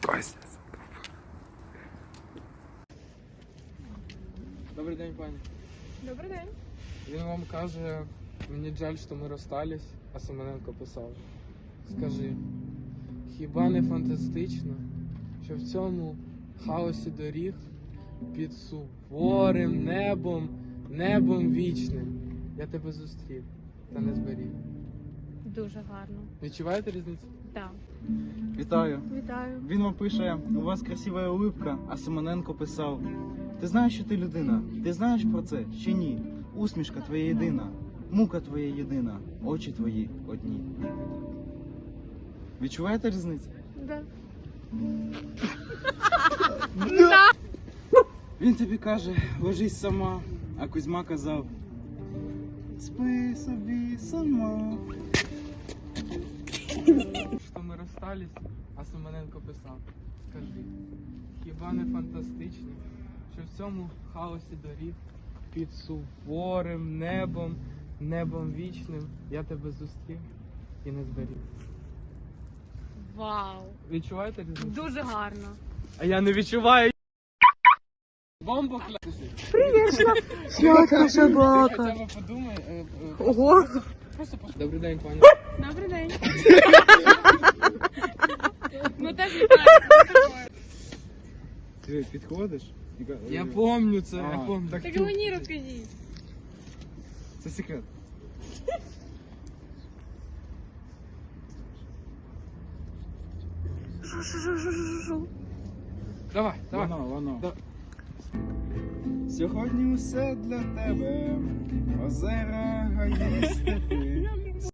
Вася. Добрий день, пані. Добрий день. Він вам каже, мені жаль, що ми розстались, а Семененко писав. Скажи, хіба не фантастично, що в цьому хаосі доріг під суворим небом вічним я тебе зустрів та не зберіг. Дуже гарно. Відчуваєте різницю? Так. Вітаю. Вітаю. Він вам пише, у вас красива улыбка, а Семененко писав: ти знаєш, що ти людина? Ти знаєш про це чи ні? Усмішка твоя єдина, мука твоя єдина, очі твої одні. Відчуваєте різницю? Да. Він тобі каже, ложись сама, а Кузьма казав: спи собі сама. Що ми розстались, а Семененко писав. Скажи, хіба не фантастично, що в цьому хаосі доріг під суворим небом вічним я тебе зустрів і не зберіг. Вау. Відчуваєте різницю? Дуже гарно. А я не відчуваю. Бомба клясти. Свята собака. Хоча б подумай. Ого. Просто Добрий день, пані. Добрий день. Ну теж вітаю. Ти підходиш? Я помню це, А, я помню. Так і мені розкажіть. Це секрет. Давай. Воно. Да. Сьогодні усе для тебе. Озера, гаї, степи.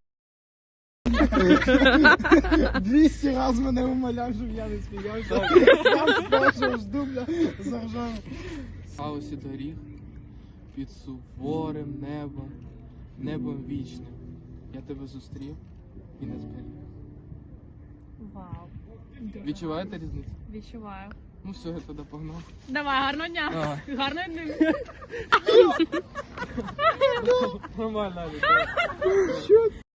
200 раз мене умоляв, щоб я не сміявся. Сам з першого ж дубля заржав. В хаосі доріг під суворим небом вічним я тебе зустрів і не зберіг. Вау. Дуже Відчуваєте гарно. різницю? Відчуваю. Ну все, я туди погнав. Давай, гарного дня. Давай. Гарної дні. Нормально, Алік, давай.